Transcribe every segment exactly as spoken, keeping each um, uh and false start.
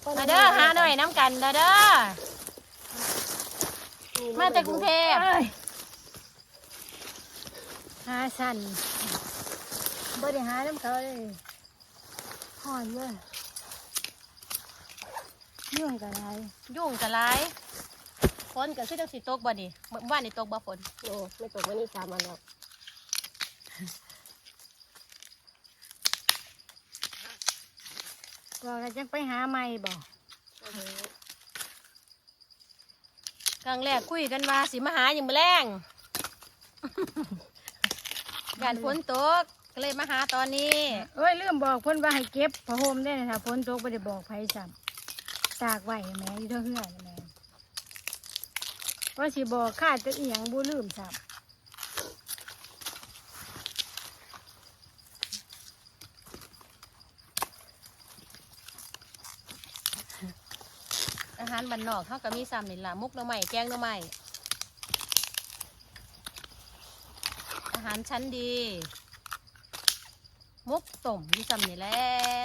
มาเด้อหาหน่อยน้ำกันเด้อเด้อมาจากกรุงเทพหาสั่นบ่ได้หาน้ำเขาเลยห่อนเลยยุ่งกับอะไรยุ่งกับไรฝนก็คือจังสิตกบ่นี่เมื่อวานนี่ตกบ่ฝนโอ้ไม่ตกวันนี้สามวันแล้วบอกว่าจะไปหาใหม่บอกครั้งแรกคุยกันว่าสิมาหาอย่างมื้อแรงการฝนตกก็เลยมาหาตอนนี้เอ้ยลืมบอกเพิ่นว่าให้เก็บผ้าห่มได้นะถ้าฝนตกไม่ได้บอกไผซ้ำตากไว้แม่อยู่เท่าเฮือนแม่ว่าสิบอกข้าจะอีหยังบ่ลืมซ้ำอาหารบ้านนอกเขาก็มีซ้ำนี่ล่ะมุกหน่อไม้แกงหน่อไม้อาหารชั้นดีมุกต้มมีซ้ำนี่แหละ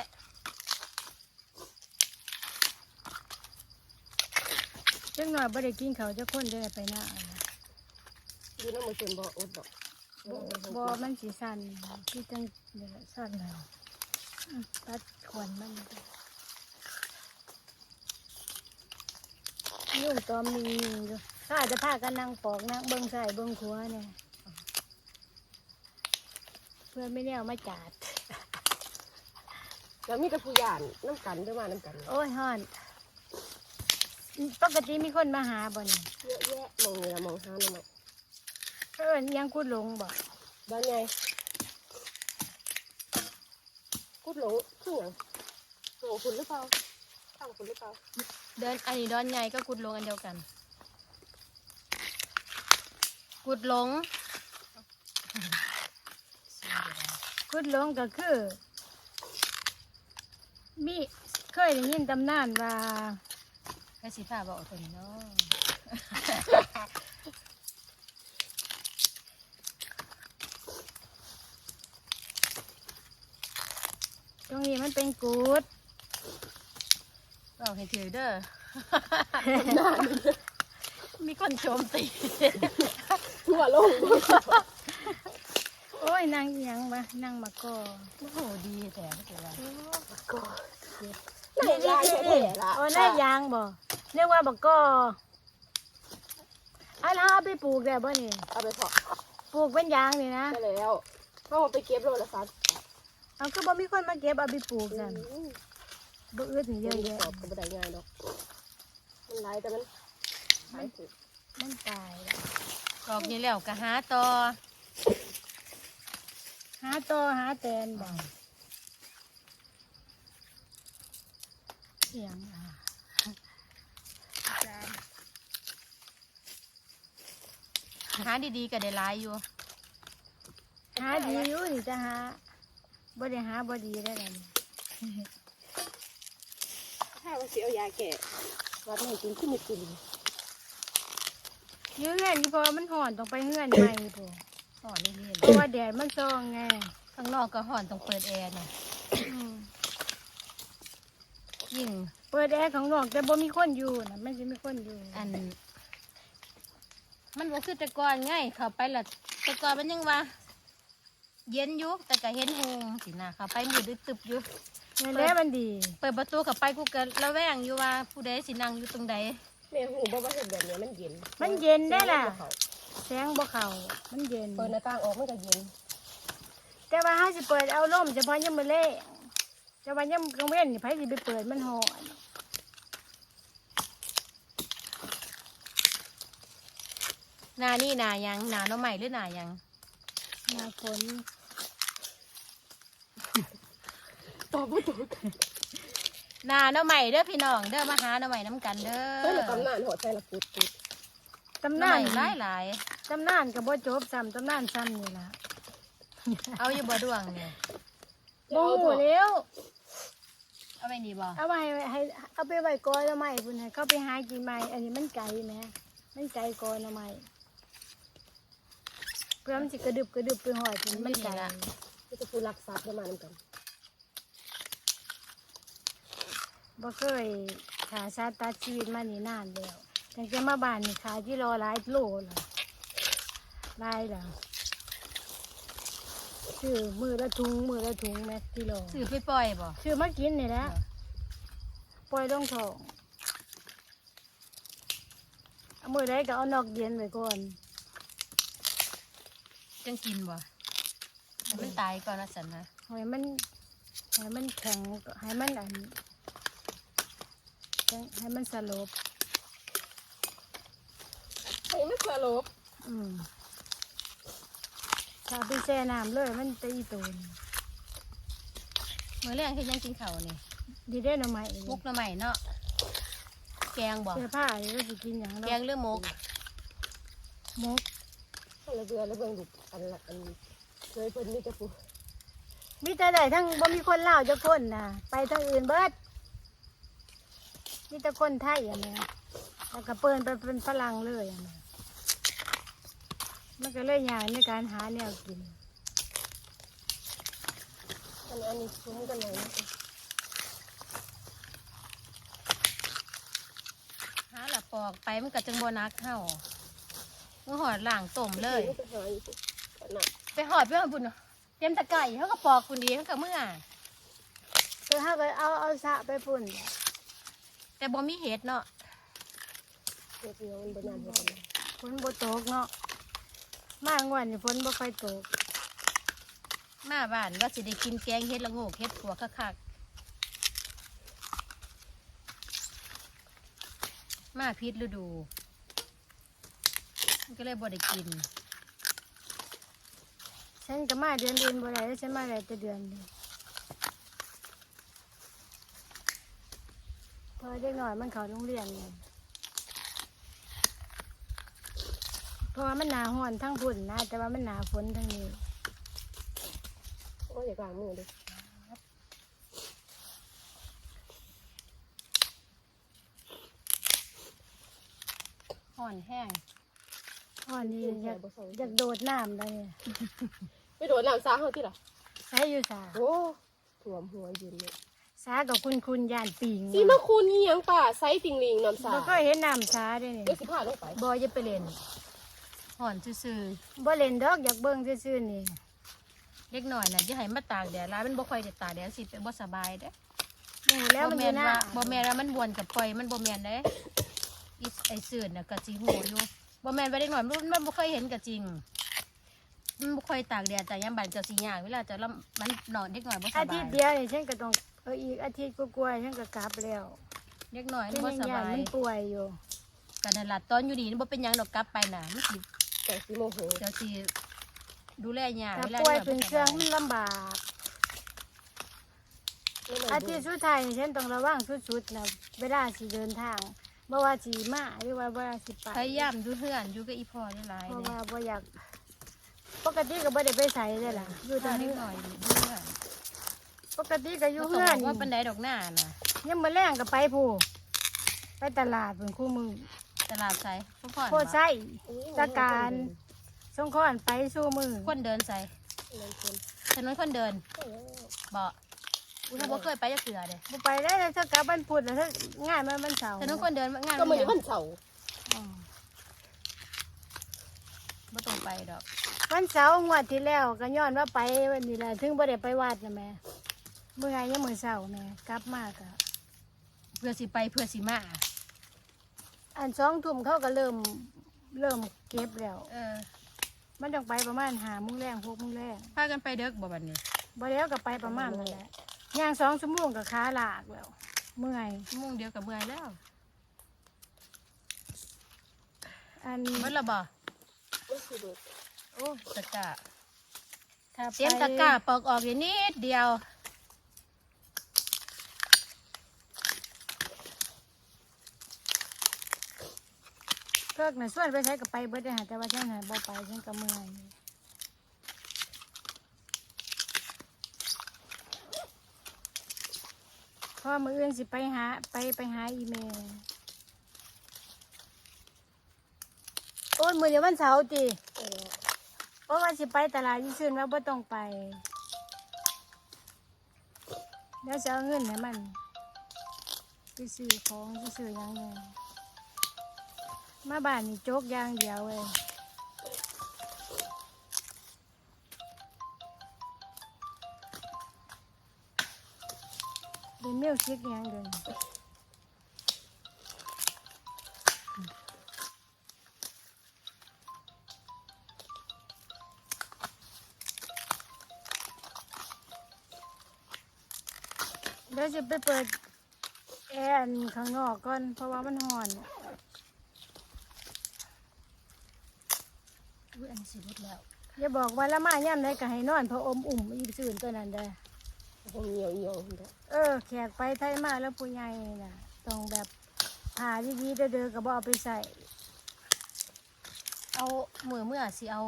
จังหน่อยบ่ได้กินเขาวจะคนได้ไปหน้าดูน้ำมันเต็มบ่อดดอกบ่มันสีสันที่จังเดี๋ยวสั่นแล้วตัดขวนมันยุ่งตอมมีอยู่ข้าจะพากันนั่งปอกนั่งเบิ้งใส่เบิ้งขัวเนี่ยเพื่อนไม่ได้เอามาจัดแล้วมีกระพุยานน้ำกันด้วยมาน้ำกันโอ้ยฮอนปกติมีคนมาหาบ่เนี่ยเยอะแยะมองนี่ละมองหาหน่อยเออยังกุดหลงบ่บ้านไงกุดหลงขึ้นหยังโง่คุณหรือเปล่าข้างคุณหรือเปล่าเดินอันนี้ดอนใหญ่ก็กุดลงอันเดียวกันกุดหลงกุดหลงก็คือมีเคยได้ยินตำนานว่าแค่สีผ้าบอกตัวนี้เนาะตรงนี้มันเป็นกูดเราเห็นถือเด้อมีคนโจมตีทั่วโลกโอ้ยนางยังมานั่งมาก่อโอ้โหดีแต่ไม่เป็นไรมาก่อนี่ยางแท้ๆล่ะโอ้นายยางบ่เรียกว่าบักก่อเอาล่ะเอาไปปลูกได้บ่นี่เอาไปเพาะปลูกเป็นยางนี่นะใช่แล้วเพราะว่าไปเก็บโลละสัตว์เอาคือบ่มีคนมาเก็บเอาไปปลูกกันบ่อึดนี่เยอะแยะก็บ่ได้ง่ายดอกมันหลายแต่มันหายสิมันตายดอกนี้แล้วก็หาต่อหาต่อหาแตนบ่เสียงอ่ะหาดีๆก็ได้หลายอยู่หาดีอยู่นี่จะหาบ่ได้หาบ่ดีได้เลยถ้าว่าสิเอายาแก่วัดนี่กินขึ้นไม่กินยื้อเงื่อนนี่พอมันห่อนต้องไปเงื่อนใหม่พอห่อนนี่ๆเพราะว่าแดดมันซองไงข้างนอกก็ห่อนต้องเปิดแอร์เนี่ยยิ่งเปิดแอร์ของนอกแต่บ่มีคนอยู่นะมันจะมีคนอยู่อันมันบ่คือแต่ก่อนไงเข้าไปละแต่ก่อนมันยังว่าเย็นอยู่แต่ก็เห็นหงสินะเข้าไปมืดตึบอยู่นั่นแหละมันดีเปิดประตูเข้าไปกูก็ระแวงอยู่ว่าผู้ใดสินั่งอยู่ตรงใดแม่หูบ่ว่าเห็นแบบนี้มันเย็นมันเย็นได้ล่ะแสงบ่เข้ามันเย็นเปิดหน้าต่างออกมันก็เย็นแต่ว่าเฮาสิเปิดเอาลมเฉพาะยามมื้อแลงแต่ว่ายามกลางเว้นนี่ไผสิไปเปิดมันร้อนหน้านี่หน้ายังหน้าหน่อไม้หรือหน้ายังหน้าฝนตอบบ่ถูกหน้าหน่อไม้เด้อพี่น้องเด้อมาหาหน่อไม้น้ำกันเด้อเฮ้ยตำนานหัวใจละกุดกุดตำนานหลายหลายตำนานก็บ่จบซ้ำตำนานซ้ำนี่ล่ะเอาอยู่บ่ดวงเนี่ยบ่ฮู้แล้วเอาไปนี่บ่เอาไว้ให้เอาไปไว้ก่อนแล้วใหม่พุ่นให้เขาไปหากินใหม่อันนี้มันไกลแม่มันไกลก่อนแล้วใหม่เพื่อมันสิกระดึบกระดึบไปหอยพุ่นมันไกลก็จะผู้รักทรัพย์ประมาณนั้นกันบ่เคยขาซาตัดชีวิตมานี่นานแล้วตั้งแต่มาบ้านนี่ขายที่รอหลายโลแล้วหลายแล้วชื่อมือละถุงมือละถุงแม็กที่รอซื้อไปปล่อยบ่ชื่อมากินนี่แหละปล่อยลงท้องเอามือได้ก็เอานอกเย็นไว้ก่อนจังกินบ่ให้มันตายก่อนนะสันนะให้มันให้มันแข็งให้มันอันให้มันสลบไอ้ไม่เคยลบอืมถ้าไปแช่น้ำเลยมันตีตูนมื้อแรกเฮ็ดหยังกินข้าวนี่ดีได้หน่อไม้มุกหน่อไม้เนาะแกงบ่เสื้อผ้านี่ก็จะกินอย่างแกงหรือหมกมกอะไรเบื่อแล้วเบิ่งดุอันละอันเคยเพิ่นนี่จะปูมีแต่ใดทั้งบ่มีคนเล่าวจะคนนะไปทางอื่นเบิดมีแต่คนไทยอ่ะแม่แล้วก็เปินไปเป็นฝรั่งเลยอ่ะแม่มันก็เลยยากในการหาแนวกินอันอันนี้คุ้มกันเลยนะหาละปอกไปมันก็จังบ่นักเฮามื้อหอดล้างต้มเลยไม่ไปหาอยู่ขนาดไปหอดไปหอดพุ่นเนาะเตรียมตะไคร้เขาก็ปอกคุณดีเขาก็เมื่อคือถ้าไปเอาเอาสะไปปุ่นแต่บ่มีเห็ดเนาะเฮ็ดเงี้ยมันบ่นานเฮ็ดเลยฝนบ่ตกเนาะมางวันนี่ฝนบ่ค่อยตกมาบ้านว่าสิได้กินแกงเห็ดละโงกเห็ดผัวคักๆมาพิษฤดูมันก็เลยบ่ได้กินฉันก็มาเดือนอื่นบ่ได้แล้วฉันมาได้แต่เดือนนี้พอเด็กหน่อยมันเข้าโรงเรียนนี่เพราะว่ามันหนาห้อนทั้งพุ่นนะแต่ว่ามันหนาฝนทั้งนี้โอ้ยอย่ากลางมือเลยห่อนแห้งห้อนนี่อยากอยากโดดน้ำได้เนี่ยไปโดดน้ำซาเฮาที่ล่ะใช้อยู่สาโอ้ถ่วมหัวยืนเลยสากับคุณคุณยานปิงสีมาคูนเงียงป่าไซติงลิงน้ำซาบ่เคยเห็นน้ำสาได้เนี่ยเดี๋ยวสิพาลงไปบ่จะไปเล่นห่อนซื่อบ่เล่นดอกอยากเบิ่งซื่อๆนี่ๆเล็กหน่อยน่ะอย่าให้มาตากแดดร้ายมันบ่ค่อยได้ตากแดดสิเป็นบ่สบายเด้โอ้แล้วมันอบ่แม่ยู่นหน้าว่าบ่แม่นว่ามันบวนกับปล่อยมันบ่แม่นเด้อีไอ้ซื่นน่ะก็สิฮู้อยู่บ่แม่นว่าเด็กน้อยมันมันบ่เคยเห็นก็จริงมันบ่ค่อยตากแดดแต่ยามบ้านเจ้าสิยากเวลาเจะลำมันนอนเด็กน้อยบ่สอาบาทิยตย์เดียวนี่ฉันก็ต้องเอออีกอาทิตย์กว่าๆฉันก็กลับแล้วเด็กน้อยฉัมันนบ่ยังสยานบายมันป่วยอยู่ก็นั่นล่ะตอนอยู่นี่บ่เป็นหยังดอกกลับไปน่ะมันสิแต่สีโมโหเจ้าสิดูแลยากถ้าเวลาป่วยด็กเป็นบ่เครื่องสบายมันลำบากไม่นอนอาดูทิตย์สุดท้ายนี่ฉันต้องระวังสุดๆนะเวลาสิเดินทางบ่ว่าสิมาหรือว่าบ่ว่าสิไปพยายามอยู่เฮือนอยู่กับอีพ่อหลายเพๆราะเด้ว่าบ่อยากปกติก็บ่ได้ไปใส่เลยล่ะอยู่แต่ถ้าเด็เฮืกอน้อยนอยู่เฮือนปกติก็อยู่บ่ต้เฮืองอนบอกว่าปานใดดอกหน้าน่ะยังมื้อแรงก็ไปผู้ไปตลาดเพิ่นคู่มือตลาดไสพวกพ่อโคไส้ตะการสงขอนไปสู่มือคนเดินใส่เดินคนถนนคนเดินเออบ่อุ้ยถ้าบ่เคยไปจักเทื่อเด้บ่ไปได้แล้วเธอกลับวันพุธแล้วเธอง่ายมันวันเสาร์ถนนคนเดินงานก็มัมัน นหยังวันเสาร์อ๋อบ่ต้องไปดอกวันเสาร์งวดที่แล้วก็ย้อนว่าไปวันนี้แหละถึงบ่ได้ไปวัดนะแม่เมื่อไงยังมื้อเช้าแม่กลับมาก็เพื่อสิไปเพื่อสิมาอันสองทุ่มเขาก็เริ่มเริ่มเก็บแล้วเออมันต้องไปประมาณห้าโมงแรงหกโมงแรงพากันไปเด้อบ่บัดนี้บ่แล้วก็ไปประมาณนั่นแหละย่างสองชั่วโมงก็ขาลากแล้ว เมื่อยชั่วโมงเดียวก็เมื่อยแล้วอันหมดและบ่ก็คือเบิดโอ้ตะกร้าถ้าไปเตรียมตะกร้าปอกออกอยู่นิดเดียวเพิกน่ะส่วนไปใช้ก็ไปเบิดได้หาแต่ว่าฉันน่ะบ่ไปฉันก็เมื่อยเพราะมื้ออื่นสิไปหาไปไปหาอีเมลโอ้ยมื้อนี้วันเสาร์ติเออเพราะว่าสิไปตลาดยี่ซื่นว่าบ่ต้องไปเดี๋ยวจะเอาเงินให้มันไปซื้อของไปซื้อหยังไงมาบ้านนี่โจกอย่างเดียวเลยเป็นเมลชิกอย่างเดิมเดี๋ยวจะไปเปิดแอร์ข้างนอกก่อนเพราะว่ามันร้อนอุ้ยอันนี้สิรุดแล้วอย่าบอกว่าละมาย่ำได้ก็ให้นอนเพราะอมอุ่มอีกสื่นตัวนั้นเด้อผมเหี่ยวเหี่ยวเด้อเออแขกไปไทยมาแล้วผู้ใหญ่น่ะต้องแบบหาดีๆเด้อๆก็บ่เอาไปใส่เอามือเมื่อสิเอา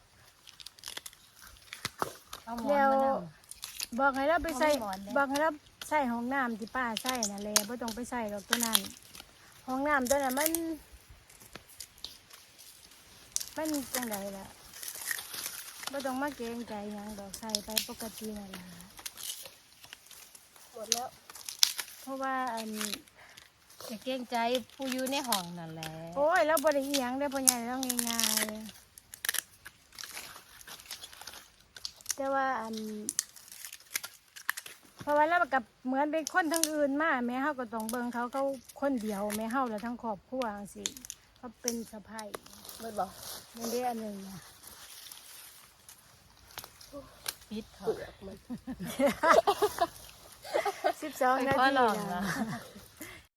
เอาหมอนแล้วมานั่งบอกให้เราไปใส่เอาหมอนเด้อบอกให้เราใส่ห้องน้ำที่ป้าใส่น่ะแหละบ่ต้องไปใส่ดอกตัวนั้นห้องน้ำตัวนั้นมันมันจังไดล่ะบ่ต้องมาเกรงใจหยังดอกใส่ไปปกตินั่นล่ะหมดแล้วเพราะว่าอันจะเกรงใจผู้อยู่ในห้องนั่นแหละโอ้ยเราบ่ได้อีหยังได้อพ่อใหญ่เราง่ายๆแต่ว่าอันเพราะว่าเรากับเหมือนเป็นคนทั้งอื่นมาแม่เฮาก็ต้องเบิ่งเขาเขาคนเดียวแม่เฮาแล้วทั้งครอบครัวจังซี่เขาเป็นสะใภ้หมดบ่นั่นเด้อันหนึงน่ะปิดเถเปลือะอกมันสิบสองไปนาขอทีลองน่ะนะ